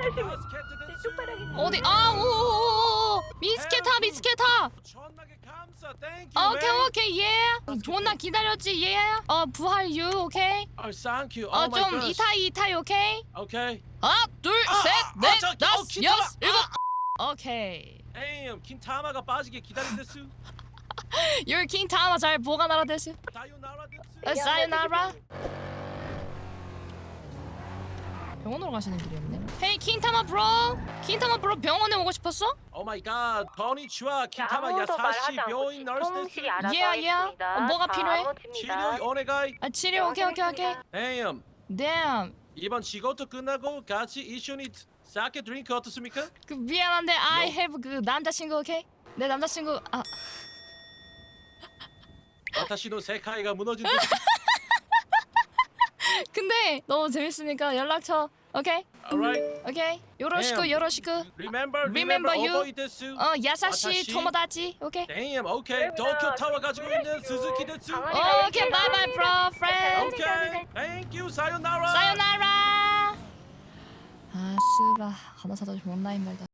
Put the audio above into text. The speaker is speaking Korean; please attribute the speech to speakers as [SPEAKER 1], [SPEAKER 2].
[SPEAKER 1] 어디? 아, 오, 미스케타, 미스케타. 오케이, 예. 존나 기다렸지, 예. 부활 유, 오케이.
[SPEAKER 2] thank you.
[SPEAKER 1] 좀 이타이, 오케이.
[SPEAKER 2] Okay.
[SPEAKER 1] 하나, 둘, 셋, 넷, 다섯,
[SPEAKER 2] 킨타마.
[SPEAKER 1] 여섯, 일곱. 오케이.
[SPEAKER 2] Damn, 킨타마가 빠지게 기다린댔수.
[SPEAKER 1] Your king 타마 잘 보관하라 됐어.
[SPEAKER 2] 사요나라 됐수.
[SPEAKER 1] 사요나라. 병원으로 가시는 길이었네. Hey 킹타마 브로. 킹타마 브로 병원에 오고 싶었어?
[SPEAKER 2] Oh my god. 건니치와 킨타마 야사시 병인 너스 됐수.
[SPEAKER 1] Yeah. 뭐가 필요해?
[SPEAKER 2] 치료 오네가이.
[SPEAKER 1] 치료 오케이.
[SPEAKER 2] Damn.
[SPEAKER 1] Damn.
[SPEAKER 2] 이번仕事 끝나고 같이 이슈니 사케 드링크 어떻습니까?
[SPEAKER 1] 그 미안한데 I have 그 남자친구 오케이? 내 남자친구
[SPEAKER 2] 와타시노 세카이가 무너진 듯.
[SPEAKER 1] 근데 너무 재밌으니까 연락 쳐. 오케이?
[SPEAKER 2] Alright.
[SPEAKER 1] 오케이. 요로시쿠.
[SPEAKER 2] Remember
[SPEAKER 1] you.
[SPEAKER 2] 오보이 됐수.
[SPEAKER 1] 야사시
[SPEAKER 2] 와타시.
[SPEAKER 1] 토모다치. 오케이.
[SPEAKER 2] Damn. Okay. 도쿄 타워 가지고 있는 스즈키 됐수.
[SPEAKER 1] 오케이. 바이바이 프로 프렌드.
[SPEAKER 2] Okay. Thank you. 사요나라.
[SPEAKER 1] 사요나라. 아, 스바. 가나 사다 존나 힘들다.